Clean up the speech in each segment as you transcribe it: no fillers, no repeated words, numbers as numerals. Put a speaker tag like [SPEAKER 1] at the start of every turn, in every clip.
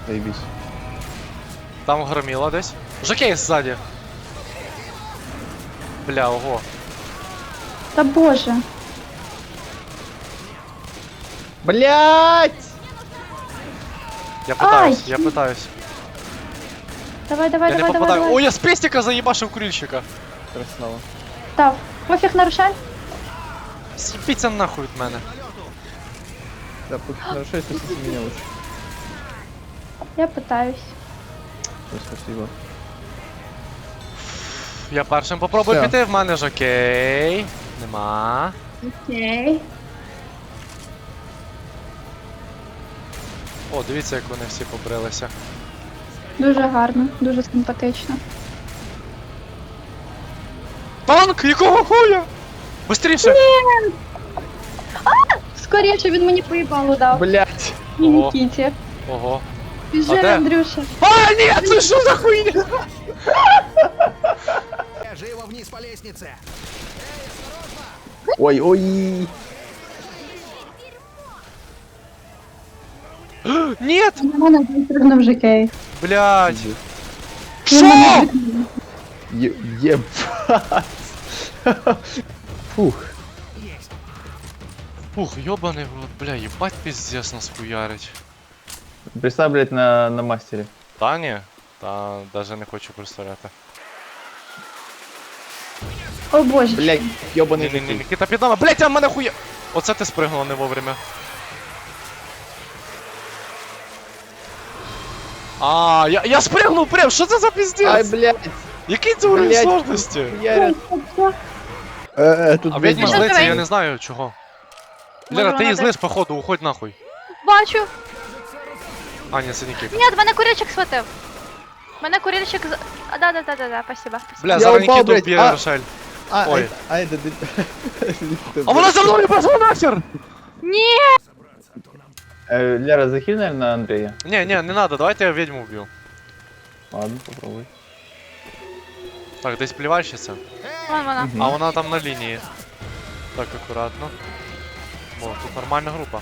[SPEAKER 1] Заебись.
[SPEAKER 2] Там громіло десь. Жокей ззаді. Бля, ого.
[SPEAKER 3] Та боже.
[SPEAKER 1] Блять!
[SPEAKER 2] Я пытаюсь,
[SPEAKER 3] Ай!
[SPEAKER 2] я пытаюсь.
[SPEAKER 3] Давай,
[SPEAKER 2] Я
[SPEAKER 3] давай,
[SPEAKER 2] не
[SPEAKER 3] давай, давай,
[SPEAKER 2] попадаю.
[SPEAKER 3] давай.
[SPEAKER 2] Ой, я з пестика заїбашив курильщика.
[SPEAKER 1] Красава.
[SPEAKER 3] Став. Пофіг нарушай.
[SPEAKER 2] Сіпіться нахуй від мене.
[SPEAKER 1] Да, нарушай, спасите меня лучше.
[SPEAKER 3] Я питаюсь.
[SPEAKER 1] Все, спасибо.
[SPEAKER 2] Я першим попробую
[SPEAKER 1] Все.
[SPEAKER 2] піти, в мене ж окей. Нема.
[SPEAKER 3] Окей.
[SPEAKER 2] О, дивіться, як вони всі побрилися.
[SPEAKER 3] Дуже гарно, дуже симпатично.
[SPEAKER 2] Танк! Якого хуя? Быстріше!
[SPEAKER 3] Скоріше він мені поїбалу дав.
[SPEAKER 1] Блять!
[SPEAKER 3] І
[SPEAKER 2] Ого.
[SPEAKER 3] Нікіті.
[SPEAKER 2] Ого.
[SPEAKER 3] Біжи,
[SPEAKER 2] А де?
[SPEAKER 3] Андрюша.
[SPEAKER 2] А, ні, це що за хуйня?
[SPEAKER 4] Живо вниз по лестнице!
[SPEAKER 1] Ой, ой!
[SPEAKER 2] Нет!
[SPEAKER 3] На мене вистрибнув Жикей.
[SPEAKER 2] Блядь.
[SPEAKER 3] Він мене
[SPEAKER 2] Шо?
[SPEAKER 3] викинув.
[SPEAKER 1] Ебать! Фух.
[SPEAKER 2] Ух, ёбаный в рот, бля, ебать пиздец нас хуярить.
[SPEAKER 1] Представь, блять, на мастере.
[SPEAKER 2] Та ні, та даже не хочу представляти.
[SPEAKER 3] О боже.
[SPEAKER 1] Блять, ёбаный
[SPEAKER 2] Ні,
[SPEAKER 1] житель.
[SPEAKER 2] Нікіта під нами, блядь, а в мене хуя... Оце ти спригнула не вовремя. А, я спригнув прям, що це за
[SPEAKER 1] Ай,
[SPEAKER 2] пиздец?
[SPEAKER 1] блять!
[SPEAKER 2] Який це уровень
[SPEAKER 1] блядь.
[SPEAKER 2] сложності?
[SPEAKER 1] Ярят. Тут
[SPEAKER 2] А ведьма
[SPEAKER 3] Що
[SPEAKER 2] злиться,
[SPEAKER 3] давай?
[SPEAKER 2] я не знаю чого.
[SPEAKER 3] Може,
[SPEAKER 2] Лера, ти
[SPEAKER 3] вона
[SPEAKER 2] її
[SPEAKER 3] так-
[SPEAKER 2] злиш, походу, уходь нахуй.
[SPEAKER 5] Бачу.
[SPEAKER 2] А, ні, це Нікіта.
[SPEAKER 5] Ні, мене курильчик схватив. Мене курильчик з... Да, спасибо.
[SPEAKER 2] Бля,
[SPEAKER 1] Я
[SPEAKER 2] зараз
[SPEAKER 1] упав,
[SPEAKER 2] Нікіту
[SPEAKER 1] блядь,
[SPEAKER 2] вб'є
[SPEAKER 1] а.
[SPEAKER 2] Рошель.
[SPEAKER 1] А,
[SPEAKER 2] Ой.
[SPEAKER 1] это...
[SPEAKER 2] А вона за мною пошла нахер!
[SPEAKER 5] Ні!
[SPEAKER 1] Лера, захиль, наверное, Андрея.
[SPEAKER 2] Не, не надо, давайте я ведьму вб'ю.
[SPEAKER 1] Ладно, попробуй.
[SPEAKER 2] Так, десь плівальщиця.
[SPEAKER 5] Вон вона.
[SPEAKER 2] А вона там на лінії. Так, акуратно. О, тут нормальна група.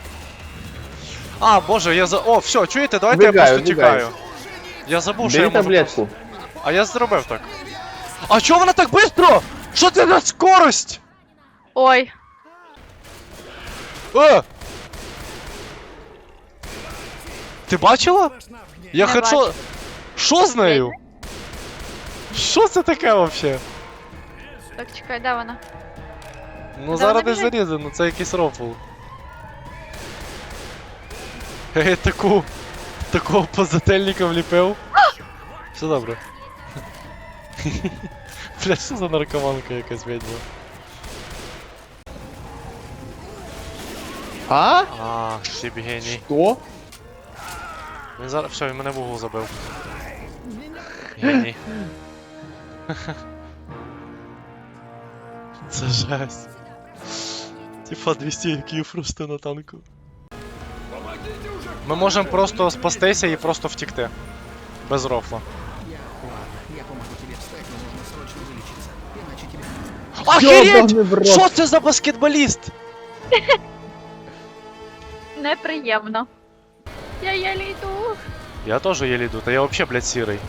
[SPEAKER 2] А, боже, я за... О, все, чуєте, давайте я
[SPEAKER 1] Вбігаю,
[SPEAKER 2] просто
[SPEAKER 1] вбігаю.
[SPEAKER 2] тікаю. Я забув, що я
[SPEAKER 1] Бери
[SPEAKER 2] можу просто...
[SPEAKER 1] таблетку.
[SPEAKER 2] А я зробив так. А чого вона так швидко? Що це за скорость?
[SPEAKER 5] Ой.
[SPEAKER 2] Ти бачила? Я
[SPEAKER 5] Не
[SPEAKER 2] хочу...
[SPEAKER 5] бачу.
[SPEAKER 2] Що з нею? Що це таке вообще?
[SPEAKER 5] Так, чекай, де вона?
[SPEAKER 2] Ну
[SPEAKER 5] Де
[SPEAKER 2] зараз
[SPEAKER 5] вона
[SPEAKER 2] десь
[SPEAKER 5] біжить?
[SPEAKER 2] зарізано, ну це якийсь рофл. Такого позательника вліпив. Все добре. Бля, що за наркоманка якась ведьма?
[SPEAKER 1] А?
[SPEAKER 2] А, ще б геній.
[SPEAKER 1] Что?
[SPEAKER 2] Він зараз... Все, він мене в угол забив. Геній. Це жесть. Типа 200 IQ просто на танку. Ми можемо просто спастися і просто втікти. Без рофла.
[SPEAKER 4] Я помогу тебе встать, но нужно срочно вылечиться. Иначе тебе...
[SPEAKER 1] Ёбаный в
[SPEAKER 2] Охереть!
[SPEAKER 1] рот.
[SPEAKER 2] Що це за баскетболіст?
[SPEAKER 5] Неприємно. Я єлі йду.
[SPEAKER 2] Я теж еле йду, та я вообще, блядь, сірий.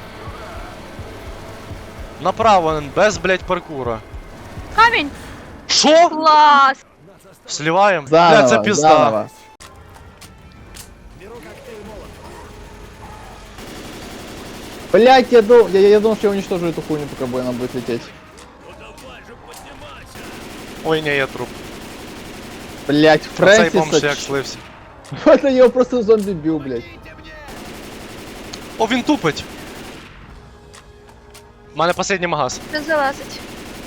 [SPEAKER 2] Направо, без, блядь, паркура.
[SPEAKER 5] Камінь!
[SPEAKER 2] Шо?
[SPEAKER 5] Клас!
[SPEAKER 2] Сливаем?
[SPEAKER 1] Заново,
[SPEAKER 2] Бля, це пізда.
[SPEAKER 1] заново. Блять, я думал, что я уничтожу эту хуйню, пока она будет лететь.
[SPEAKER 2] Ой, не, я труп.
[SPEAKER 1] Блять,
[SPEAKER 2] А цей бомж як
[SPEAKER 1] Фрэнсиса.
[SPEAKER 2] слився.
[SPEAKER 1] Это я его просто зомби бил, блять.
[SPEAKER 2] О, він тупить. У мене останній магаз.
[SPEAKER 5] Не залазить.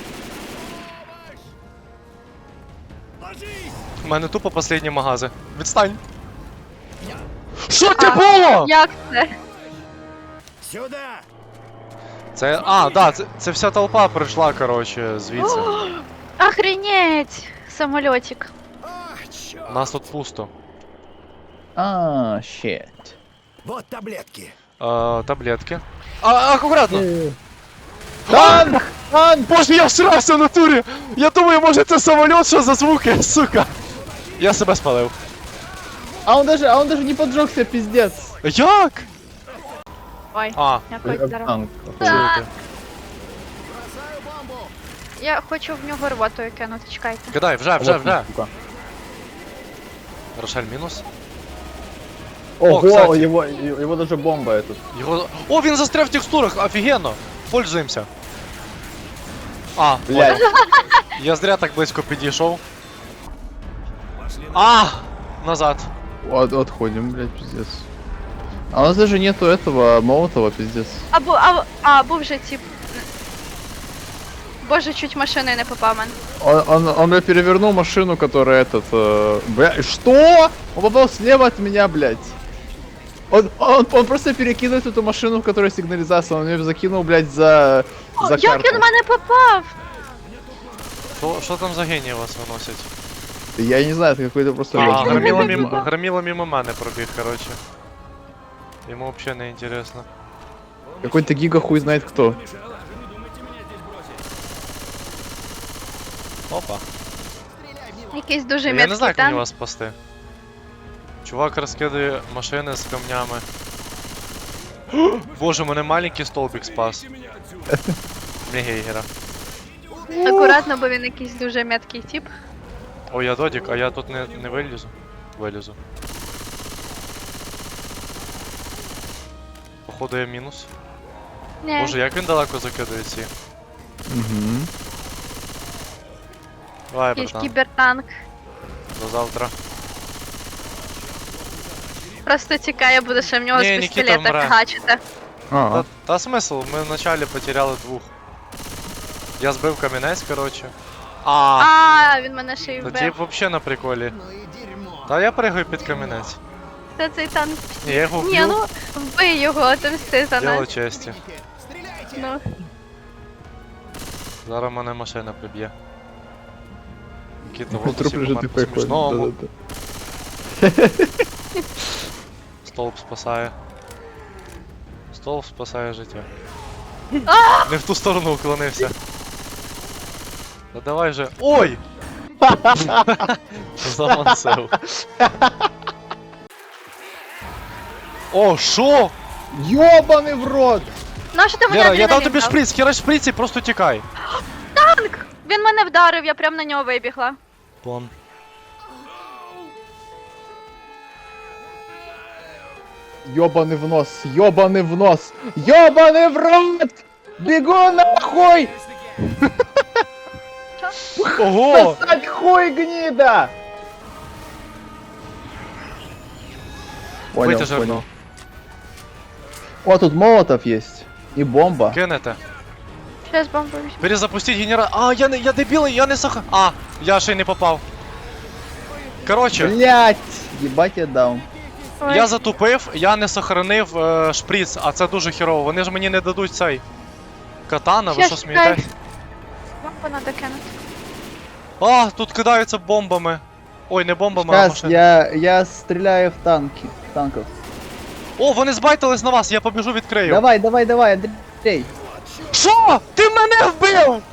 [SPEAKER 2] У мене тупо останні магази. Відстань. Що це
[SPEAKER 5] А,
[SPEAKER 2] було?
[SPEAKER 5] Як це?
[SPEAKER 4] Сюда!
[SPEAKER 2] Це, а, да, це вся толпа прийшла, короче, звідси.
[SPEAKER 5] Охренеть! Самольотик.
[SPEAKER 4] Ах, чёрт!
[SPEAKER 2] У нас тут пусто.
[SPEAKER 1] А, щет.
[SPEAKER 4] Вот таблетки.
[SPEAKER 2] Таблетки. Аккуратно.
[SPEAKER 1] Танк! Танк!
[SPEAKER 2] Боже, я всрався в натурі! Я думаю, може це самоліт, що за звуки, сука! Я себе спалив.
[SPEAKER 1] А он даже не поджегся, пиздец.
[SPEAKER 2] Як?
[SPEAKER 5] Ой,
[SPEAKER 2] А,
[SPEAKER 5] якось
[SPEAKER 1] Как
[SPEAKER 5] зараз.
[SPEAKER 1] танк.
[SPEAKER 2] звуки.
[SPEAKER 5] Я хочу в нього рвотою кинути, чекайте.
[SPEAKER 2] Кидай, вже.
[SPEAKER 1] Сука.
[SPEAKER 2] Рошель мінус.
[SPEAKER 1] Ого,
[SPEAKER 2] кстати.
[SPEAKER 1] его даже бомба этот.
[SPEAKER 2] Його... О, він застряв в текстурах, офігенно. Пользуємося. А,
[SPEAKER 1] Блядь.
[SPEAKER 2] я зря так близько підійшов. А! Назад.
[SPEAKER 1] Отходим, блядь, пиздец. А у нас даже нету этого молотого, пиздец.
[SPEAKER 5] Був же тип. Боже, чуть машиною не попав мен.
[SPEAKER 1] Он блядь, перевернул машину, которая бля, что? Он попал слева от меня, блядь. Он просто перекидывает эту машину, в которой сигнализация. Он ее закинул, блядь, за
[SPEAKER 5] Як
[SPEAKER 1] карту.
[SPEAKER 5] він в мене попав?
[SPEAKER 2] Що там за генії вас виносять?
[SPEAKER 1] Я не знаю, это какой-то просто...
[SPEAKER 2] А,
[SPEAKER 1] блядь,
[SPEAKER 2] громіло мимо мене пробіг, короче. Йому вообще не интересно.
[SPEAKER 1] Какой-то гига хуй знает кто.
[SPEAKER 2] Опа.
[SPEAKER 5] Якийсь дуже
[SPEAKER 2] Я не
[SPEAKER 5] міцний
[SPEAKER 2] знаю, як мені
[SPEAKER 5] танк.
[SPEAKER 2] вас спасти. Чувак розкидає машини з камнями. Боже, мене маленький столбик спас. Не гейгера.
[SPEAKER 5] Акуратно, бо він якийсь дуже меткий тип.
[SPEAKER 2] Ой, я додік, а я тут не вилізу. Вилізу. Походу я мінус.
[SPEAKER 5] Ні.
[SPEAKER 2] Боже, як він далеко закидує ці.
[SPEAKER 1] Угу.
[SPEAKER 2] Давай,
[SPEAKER 5] Якийсь
[SPEAKER 2] братан.
[SPEAKER 5] кібертанк.
[SPEAKER 2] До завтра.
[SPEAKER 5] Просто тікає, буде ще в нього
[SPEAKER 2] Ні,
[SPEAKER 5] з
[SPEAKER 2] Нікіта
[SPEAKER 5] пістолета
[SPEAKER 2] вмре.
[SPEAKER 5] фігачити.
[SPEAKER 2] Та смисл, ми вначалі потеряли двох. Я збив камінець, короче.
[SPEAKER 5] Він мене ще й
[SPEAKER 2] Та
[SPEAKER 5] вбив.
[SPEAKER 2] тип вообще на приколі.
[SPEAKER 4] Ну и дерьмо.
[SPEAKER 2] Та я пригаю під камінець.
[SPEAKER 5] Це цей танк.
[SPEAKER 2] Ні, я його
[SPEAKER 5] Ні,
[SPEAKER 2] вб'ю.
[SPEAKER 5] ну вбий його, отомсти за
[SPEAKER 2] Діло
[SPEAKER 5] нас.
[SPEAKER 2] честі.
[SPEAKER 4] Стреляйте!
[SPEAKER 5] Ну.
[SPEAKER 2] Зараз мене машина приб'є. Нікіта,
[SPEAKER 1] Ну,
[SPEAKER 2] вот
[SPEAKER 1] труп
[SPEAKER 2] усі
[SPEAKER 1] лежит
[SPEAKER 2] помер
[SPEAKER 1] и
[SPEAKER 2] по
[SPEAKER 1] приходит.
[SPEAKER 2] смішному.
[SPEAKER 1] Да-да-да.
[SPEAKER 2] Столб спасає. Столб спасає життя. Не в ту сторону уклонився. Та давай же. Ой! Замансив. О, шо?
[SPEAKER 1] Ёбаный в рот!
[SPEAKER 5] Нащо ти мені
[SPEAKER 2] Лера, я дав
[SPEAKER 5] адреналін
[SPEAKER 2] тобі
[SPEAKER 5] дав?
[SPEAKER 2] шприц, хераш шприц і просто тікай.
[SPEAKER 5] Він мене вдарив, я прям на нього вибігла.
[SPEAKER 2] План.
[SPEAKER 1] Ёбаный в нос, ёбаный в нос, ёбаный в рот! Бегу нахуй!
[SPEAKER 2] Ого!
[SPEAKER 1] Сосать хуй, гнида! Понял,
[SPEAKER 2] Витяжи
[SPEAKER 1] понял.
[SPEAKER 2] окно.
[SPEAKER 1] О, тут молотов есть. И бомба.
[SPEAKER 2] Кинете.
[SPEAKER 5] Щас бомбу візьму.
[SPEAKER 2] Перезапустить генератор. А, я дебілий, я не саха. А, я ще й не попав. Короче,
[SPEAKER 1] Блять! Ебать я даун.
[SPEAKER 5] Ой,
[SPEAKER 2] я затупив, я не сохранив шприц, а це дуже херово. Вони ж мені не дадуть цей. Катана, ви
[SPEAKER 5] Щас,
[SPEAKER 2] що смієтесь?
[SPEAKER 5] бомбу надо кинути.
[SPEAKER 2] А, тут кидаються бомбами. Ой, не бомбами, а
[SPEAKER 1] Сейчас
[SPEAKER 2] машинами.
[SPEAKER 1] я стреляю в танки. Танков.
[SPEAKER 2] О, вони збайтились на вас, я побіжу відкрию.
[SPEAKER 1] Давай, давай, давай, Андрей.
[SPEAKER 2] Що? Ти мене вбив!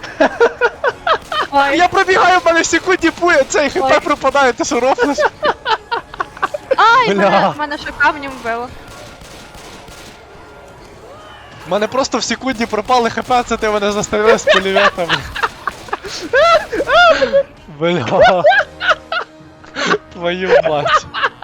[SPEAKER 5] Ой,
[SPEAKER 2] Я пробігаю, в мене в секунді пує, цей
[SPEAKER 5] Ой.
[SPEAKER 2] хп пропадає, ти що рофлиш?
[SPEAKER 5] ай,
[SPEAKER 2] Бля.
[SPEAKER 5] мене що камнем вбило.
[SPEAKER 2] В мене просто в секунді пропали хп, це ти мене застрелив з пулеметом. Бля. Твою мать.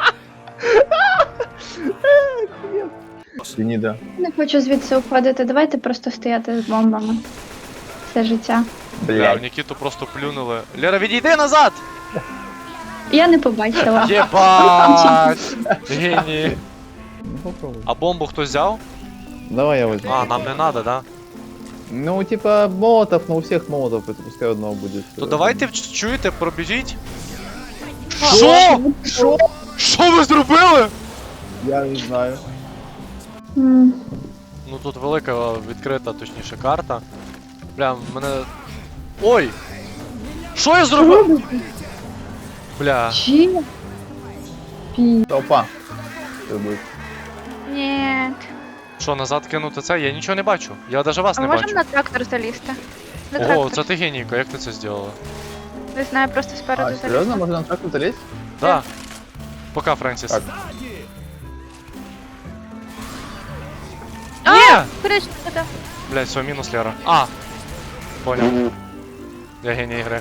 [SPEAKER 1] Гнида.
[SPEAKER 3] Не хочу звідси уходити, давайте просто стояти з бомбами. Все життя.
[SPEAKER 2] Бля, в Нікіту просто плюнули. Лера, відійди назад!
[SPEAKER 3] Я не побачила.
[SPEAKER 2] Єбать! Генії.
[SPEAKER 1] Ну попробуй.
[SPEAKER 2] А бомбу хтось взяв?
[SPEAKER 1] Давай я возьму.
[SPEAKER 2] А, нам не надо, да?
[SPEAKER 1] Ну, типа, молотов, но у всех молотов, это пускай одного будет.
[SPEAKER 2] То давайте чуєте, пробіжіть.
[SPEAKER 1] Що?
[SPEAKER 2] Що? Що ви зробили?
[SPEAKER 1] Я не знаю.
[SPEAKER 3] М,
[SPEAKER 2] Ну тут велика відкрита, точніше, карта. Бля, мене. Ой! Що я зробив? Бля.
[SPEAKER 3] Чи? Пі.
[SPEAKER 1] Толпа. Что будет?
[SPEAKER 5] Ні.
[SPEAKER 2] Що, назад кинути це? Я нічого не бачу. Я навіть вас
[SPEAKER 5] А
[SPEAKER 2] не
[SPEAKER 5] можемо
[SPEAKER 2] бачу.
[SPEAKER 5] на трактор залізти? На
[SPEAKER 2] Ого,
[SPEAKER 5] трактор.
[SPEAKER 2] це ти генійка, як ти це зробила?
[SPEAKER 5] Не знаю, просто спереду
[SPEAKER 1] А,
[SPEAKER 5] залізти.
[SPEAKER 1] серьезно? Можно на трактор залезть?
[SPEAKER 2] Да. Пока, Фрэнсис.
[SPEAKER 1] Так.
[SPEAKER 2] Ні!
[SPEAKER 5] Курильщик, да.
[SPEAKER 2] Блять, все, мінус Лера. А! Понял. Я геній ігри.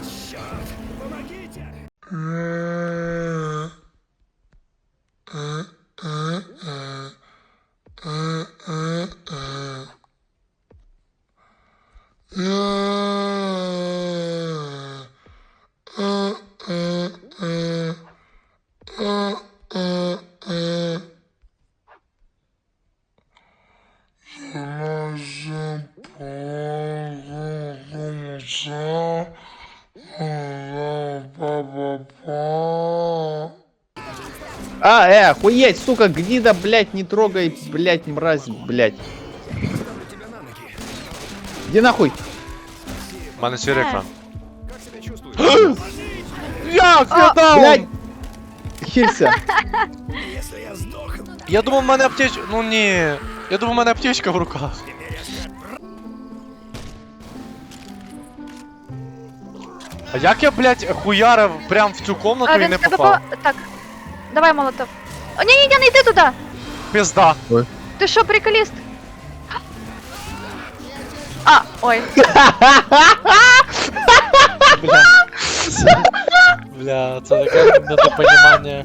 [SPEAKER 1] Охуеть, сука, гнида, блядь, не трогай, блядь, мразь, блядь. Иди нахуй.
[SPEAKER 2] У мене сірий екран.
[SPEAKER 1] Як я дав? Блядь. Хилься.
[SPEAKER 2] Я думав, в мене аптечка. Ну ні. Я думав, в мене аптечка в руках. А як я, блядь, хуярив прям в цю комнату і
[SPEAKER 5] Він
[SPEAKER 2] не
[SPEAKER 5] в тебе
[SPEAKER 2] попав?
[SPEAKER 5] Так. Давай, молотов. О, ні, не йди туди.
[SPEAKER 2] Пізда.
[SPEAKER 5] Ти що, приколіст? А, ой.
[SPEAKER 2] Бля. Бля, це таке недопонімання.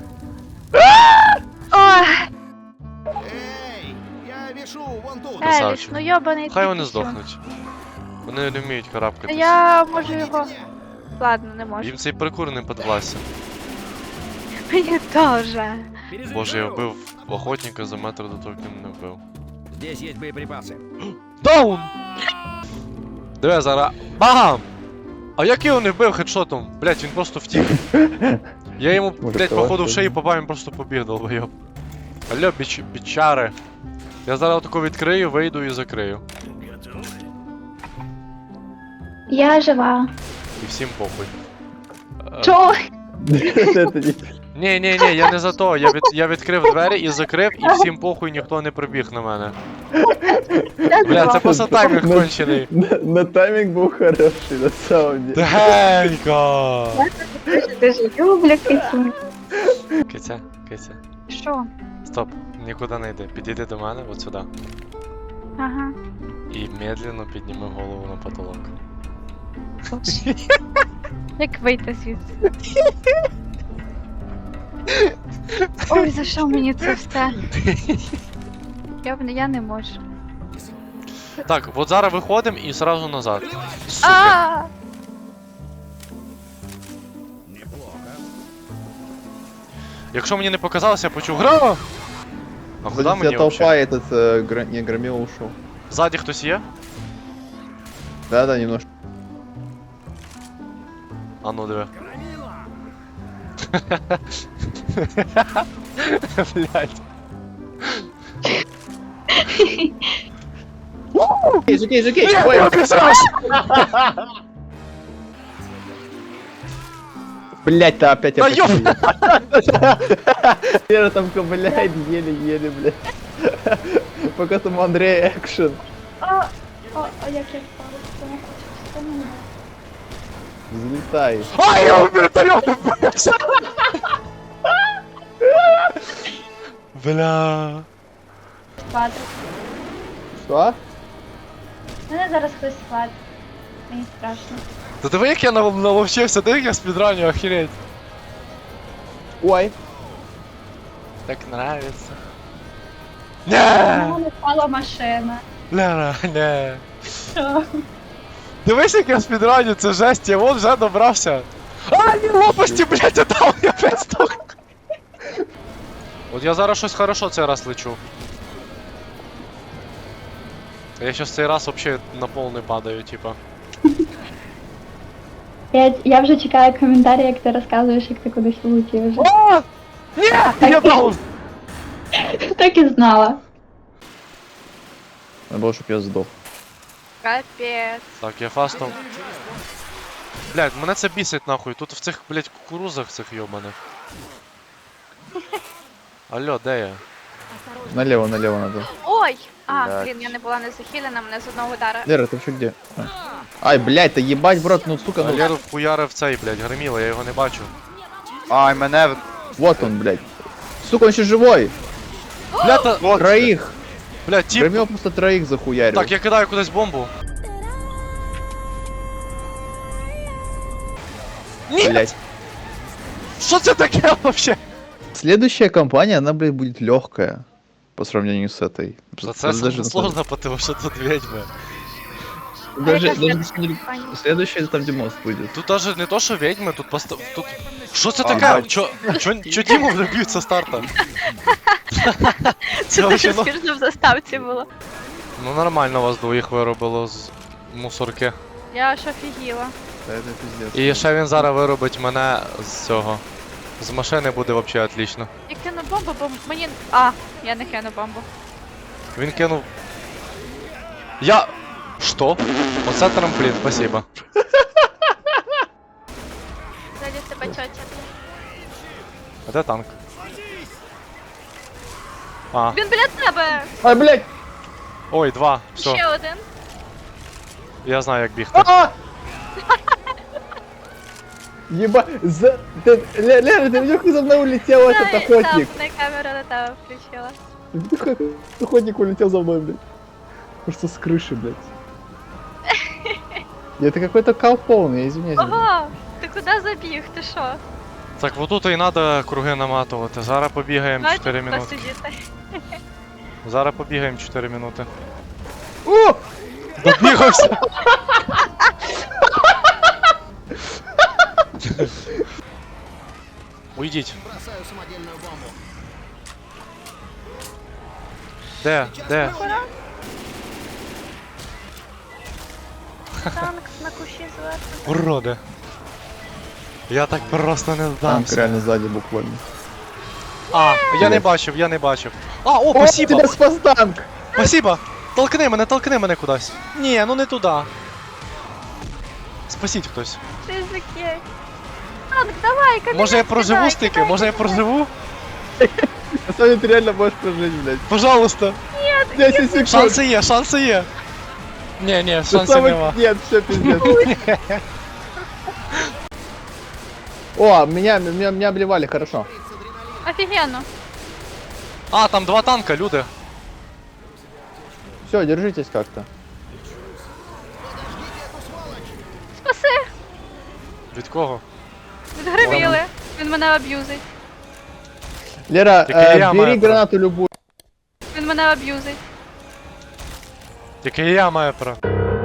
[SPEAKER 5] Ой,
[SPEAKER 4] Эй, я вешу вон тут.
[SPEAKER 5] Еліс,
[SPEAKER 2] Красавчик.
[SPEAKER 5] ну йобаний.
[SPEAKER 2] Хай
[SPEAKER 5] ти
[SPEAKER 2] вони
[SPEAKER 5] що.
[SPEAKER 2] здохнуть. Вони не вміють карабкатись.
[SPEAKER 5] Я можу його. Ладно, не можу.
[SPEAKER 2] Їм цей паркур не подвласться.
[SPEAKER 5] Мені теж.
[SPEAKER 2] Боже, я вбив охотника за метр до того, як він не вбив.
[SPEAKER 4] Здесь есть боеприпасы.
[SPEAKER 2] Даун! Диви, зараз. Бам! А як його не вбив хедшотом? Блять, він просто втік. Я йому,
[SPEAKER 1] Може,
[SPEAKER 2] блять,
[SPEAKER 1] того
[SPEAKER 2] походу в
[SPEAKER 1] що-
[SPEAKER 2] шиї попав, він просто побіг, долбойоб. Алло, бичари. Я зараз отако відкрию, вийду і закрию.
[SPEAKER 3] Я жива.
[SPEAKER 2] І всім похуй.
[SPEAKER 3] Чо?
[SPEAKER 2] Ні, я не за то. Я відкрив двері і закрив, і всім похуй ніхто не прибіг на мене. Бля, це просто таймінг кончений.
[SPEAKER 1] На тайминг был хороший, на самом деле.
[SPEAKER 2] Дегенько!
[SPEAKER 3] Дуже люблю кису.
[SPEAKER 2] Киця, киця.
[SPEAKER 5] Що?
[SPEAKER 2] Стоп, нікуди не йди. Підійди до мене, от сюди.
[SPEAKER 5] Ага.
[SPEAKER 2] І медленно підніми голову на потолок.
[SPEAKER 5] Як вийти звідси? Ой, за що мені це все? Я не можу.
[SPEAKER 2] Так, от зараз виходимо і сразу назад. Сука.
[SPEAKER 5] А!
[SPEAKER 2] Якщо мені не показалося, я почув гра. А куди
[SPEAKER 1] Куда
[SPEAKER 2] мені
[SPEAKER 1] толпа
[SPEAKER 2] вообще?
[SPEAKER 1] этот не громил ушел.
[SPEAKER 2] Ззаді хтось є?
[SPEAKER 1] Да, немножко.
[SPEAKER 2] А ну диви. Блять.
[SPEAKER 1] Жокей, ой, блять, то опять
[SPEAKER 2] Да
[SPEAKER 1] я Лера там ковыляет еле-еле, блядь. Пока там Андрей экшен.
[SPEAKER 3] А як я впала? Що мені?
[SPEAKER 1] Взлетай.
[SPEAKER 2] Ай, я в вертольот вбився! Бля.
[SPEAKER 3] Спати.
[SPEAKER 1] Что?
[SPEAKER 3] Мене зараз хтось спати. Мені страшно.
[SPEAKER 2] Та диви, як я наловчився, диви, як я спідраню, охереть.
[SPEAKER 1] Ой.
[SPEAKER 2] Так нравится.
[SPEAKER 3] На
[SPEAKER 2] Не!
[SPEAKER 3] мене впала машина.
[SPEAKER 2] Ляра, не.
[SPEAKER 3] Що?
[SPEAKER 2] Дивись, як я спідраню, це жесть, я вон вже добрався. А, ні, лопасті, блядь, отдав, я пестух. От я зараз щось хорошо цей раз лечу. Я щас цей раз вообще на пол не падаю, типа.
[SPEAKER 3] Я вже чекаю коментарі, як ти розказуєш, як ти кудись влетів вже.
[SPEAKER 2] О! Ні! Я даун!
[SPEAKER 3] Так і знала.
[SPEAKER 1] Надо было, чтоб я сдох.
[SPEAKER 5] Капець.
[SPEAKER 2] Так, я фастом. Блядь, мене це бісить нахуй. Тут в цих, блядь, кукурузах цих йобаних. Алло, де я?
[SPEAKER 1] Налево надо.
[SPEAKER 5] Ой! А,
[SPEAKER 1] Блядь.
[SPEAKER 5] блін, я не була не захилена, мене з одного удара.
[SPEAKER 1] Лера, ты вообще где? А. Ай, блядь, да ебать, брат, ну сука, ну...
[SPEAKER 2] Леру вхуярив цей, блядь, гриміло, я його не бачу.
[SPEAKER 1] Ай, мене... Вот он, блядь. Сука, он еще живой!
[SPEAKER 2] Бля, та...
[SPEAKER 1] Троих!
[SPEAKER 2] Бля, тип.
[SPEAKER 1] Прям его просто троих захуярил.
[SPEAKER 2] Так, я кидаю кудись бомбу.
[SPEAKER 1] Блять.
[SPEAKER 2] Що це таке вообще?
[SPEAKER 1] Следующая кампания, она, блядь, будет легкая. По сравнению с этой.
[SPEAKER 2] Це
[SPEAKER 1] Даже-
[SPEAKER 2] сложно, потому що тут ведьми.
[SPEAKER 1] Даже,
[SPEAKER 5] Яка
[SPEAKER 1] даже
[SPEAKER 5] следующая?
[SPEAKER 1] следующая там, где мост будет.
[SPEAKER 2] Тут даже не то, що ведьми, тут просто... Тут... Що це
[SPEAKER 1] А,
[SPEAKER 2] таке?
[SPEAKER 1] бать.
[SPEAKER 2] Чо Діму вже б'ють со старта?
[SPEAKER 5] Це
[SPEAKER 2] вообще,
[SPEAKER 5] дуже смішно в заставці було.
[SPEAKER 2] Ну нормально вас двоїх виробило з мусорки.
[SPEAKER 5] Я аж офігіла.
[SPEAKER 1] Да, это пиздец.
[SPEAKER 2] І ще він зараз виробить мене з цього. З машини буде вообще отлично.
[SPEAKER 5] Я кину бомбу, бо мені... А, я не кину бомбу.
[SPEAKER 2] Він кинув. Я. Що? Оце трамплін, спасибо.
[SPEAKER 5] Далі тебе чотя.
[SPEAKER 2] А де танк? А,
[SPEAKER 5] Він біля тебе!
[SPEAKER 1] Ай, блядь!
[SPEAKER 2] ой, два. Все,
[SPEAKER 5] Ще один.
[SPEAKER 2] я знаю, як бігти.
[SPEAKER 1] А! Еба... Лера, ты видел, как за мной улетел этот
[SPEAKER 5] Там
[SPEAKER 1] охотник?
[SPEAKER 5] на камеру на тебе включила.
[SPEAKER 1] Ты видел, как охотник улетел за мной, блядь? Просто с крыши, блядь. Это какой-то кал полный, извиняюсь.
[SPEAKER 5] Ого! Ти куди забіг? Ти що?
[SPEAKER 2] Так, вот тут і треба круги наматувати. Зараз побігаємо
[SPEAKER 5] Бачиш,
[SPEAKER 2] 4
[SPEAKER 5] хто
[SPEAKER 2] минути.
[SPEAKER 5] сидіти?
[SPEAKER 2] Зараз побігаємо 4 минути.
[SPEAKER 1] О!
[SPEAKER 2] Добігався! Уйдіть.
[SPEAKER 4] Бросаю самодельную бомбу.
[SPEAKER 2] Де? Де?
[SPEAKER 5] Танк на кущі зверху.
[SPEAKER 2] Уроди. Я так просто не
[SPEAKER 1] Танк
[SPEAKER 2] здамся.
[SPEAKER 1] реально сзади буквально.
[SPEAKER 2] А, я не бачив, я не бачив. А, о,
[SPEAKER 1] О,
[SPEAKER 2] спасибо!
[SPEAKER 1] тебя спас танк!
[SPEAKER 2] Спасибо! Толкни мене кудись. Ні, ну не туди. Спасіть хтось.
[SPEAKER 5] Ти закей. Танк, давай, кабінет
[SPEAKER 2] Може я проживу
[SPEAKER 5] кидай,
[SPEAKER 2] стики?
[SPEAKER 5] кидай,
[SPEAKER 2] Може я
[SPEAKER 5] кидай.
[SPEAKER 2] проживу?
[SPEAKER 1] На самом деле ты реально можешь прожить, блядь.
[SPEAKER 2] Пожалуйста.
[SPEAKER 1] 10 секунд.
[SPEAKER 2] Шанси є, шанси є. Ні,
[SPEAKER 1] Ты
[SPEAKER 2] шансів
[SPEAKER 1] самый-
[SPEAKER 2] нема.
[SPEAKER 1] Нет, все пиздец. О, меня обливали, хорошо.
[SPEAKER 5] Офігенно.
[SPEAKER 2] А, там два танка, люди.
[SPEAKER 1] Все, держитесь как-то.
[SPEAKER 5] Спаси!
[SPEAKER 2] Від кого?
[SPEAKER 5] Відгриміли. Він мене аб'юзить.
[SPEAKER 1] Лера,
[SPEAKER 2] Так и я
[SPEAKER 1] бери
[SPEAKER 2] маю
[SPEAKER 1] гранату любую.
[SPEAKER 5] Він мене аб'юзить.
[SPEAKER 2] Тільки я маю право.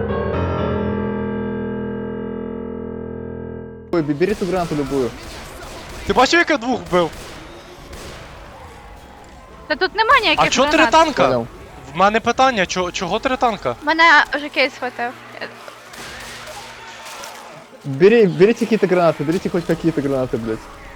[SPEAKER 1] Бери ту гранату любую.
[SPEAKER 2] Ти бачив, як я двох вбив?
[SPEAKER 5] Та тут нема ніяких
[SPEAKER 2] А чого три
[SPEAKER 5] гранат.
[SPEAKER 2] танка?
[SPEAKER 1] Понял.
[SPEAKER 2] В мене питання, чого три танка?
[SPEAKER 5] Мене вже кейс схватив.
[SPEAKER 1] Берите какие-то гранаты, берите хоть какие-то гранаты, блядь.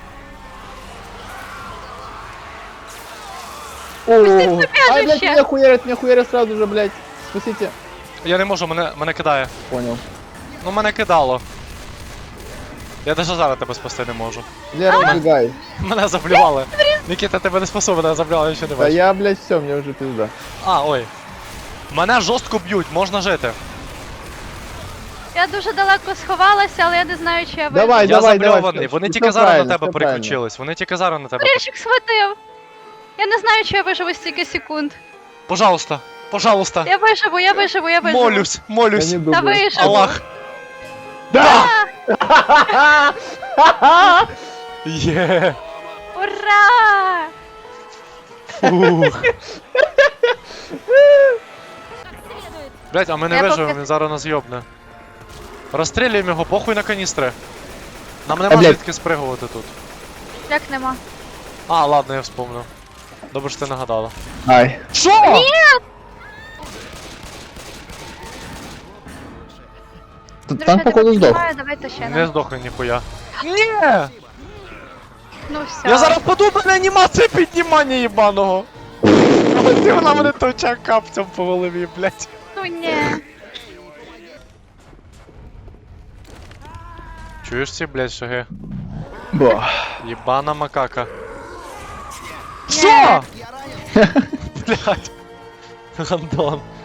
[SPEAKER 1] О, ай, блядь,
[SPEAKER 5] прибежище.
[SPEAKER 1] меня хуярят сразу же, блядь. Спасите.
[SPEAKER 2] Я не можу, мене кидає.
[SPEAKER 1] Понял.
[SPEAKER 2] Ну мене кидало. Я навіть зараз тебе спасти не можу.
[SPEAKER 1] Лера, убегай.
[SPEAKER 2] Мене заблювали. Нікіта, тебе не спасу, мене заблювали, я ще не
[SPEAKER 1] Да
[SPEAKER 2] бачу.
[SPEAKER 1] я, блядь, все, мне уже пизда.
[SPEAKER 2] А, ой. Мене жорстко б'ють, можна жити.
[SPEAKER 5] Я дуже далеко сховалася, але я не знаю, чи я виживу.
[SPEAKER 1] Давай,
[SPEAKER 2] Я
[SPEAKER 1] давай,
[SPEAKER 2] забльований,
[SPEAKER 1] давай.
[SPEAKER 2] вони
[SPEAKER 1] Всё
[SPEAKER 2] тільки зараз на
[SPEAKER 1] правильно,
[SPEAKER 2] тебе
[SPEAKER 1] всё правильно.
[SPEAKER 2] переключились. Вони тільки зараз на тебе.
[SPEAKER 5] Горішок схватив. Я не знаю, чи я виживу стільки секунд.
[SPEAKER 2] Пожалуйста, пожалуйста.
[SPEAKER 5] Я виживу, я виживу, я виживу.
[SPEAKER 2] Молюсь,
[SPEAKER 1] Я
[SPEAKER 2] молюсь.
[SPEAKER 1] не
[SPEAKER 5] Та
[SPEAKER 1] думаю.
[SPEAKER 5] виживу.
[SPEAKER 2] Аллах.
[SPEAKER 1] Да!
[SPEAKER 2] Є.
[SPEAKER 5] Ура!
[SPEAKER 2] Фух. Блять, а ми не
[SPEAKER 5] Я
[SPEAKER 2] виживемо,
[SPEAKER 5] поки-
[SPEAKER 2] він зараз нас йобне. Розстрілюємо його, похуй на каністри. Нам нема
[SPEAKER 1] блядь.
[SPEAKER 2] звідки спригувати тут.
[SPEAKER 5] Як нема?
[SPEAKER 2] А, ладно, я вспомнив. Добре, що ти нагадала.
[SPEAKER 1] Ай.
[SPEAKER 2] Що?
[SPEAKER 1] Там походу сдох.
[SPEAKER 5] Давайте ще
[SPEAKER 2] Не
[SPEAKER 5] на.
[SPEAKER 2] здохне ніхуя. Ні!
[SPEAKER 5] Ну все.
[SPEAKER 2] Я зараз впаду, в мене анімація піднімання їбаного. Ти вона мене точа капцем по голові, блять.
[SPEAKER 5] Ну ні.
[SPEAKER 2] Чуєш ці, блять, шаги?
[SPEAKER 1] Ба.
[SPEAKER 2] Єбана макака.
[SPEAKER 5] Ні.
[SPEAKER 2] Що? Блять. Гандон.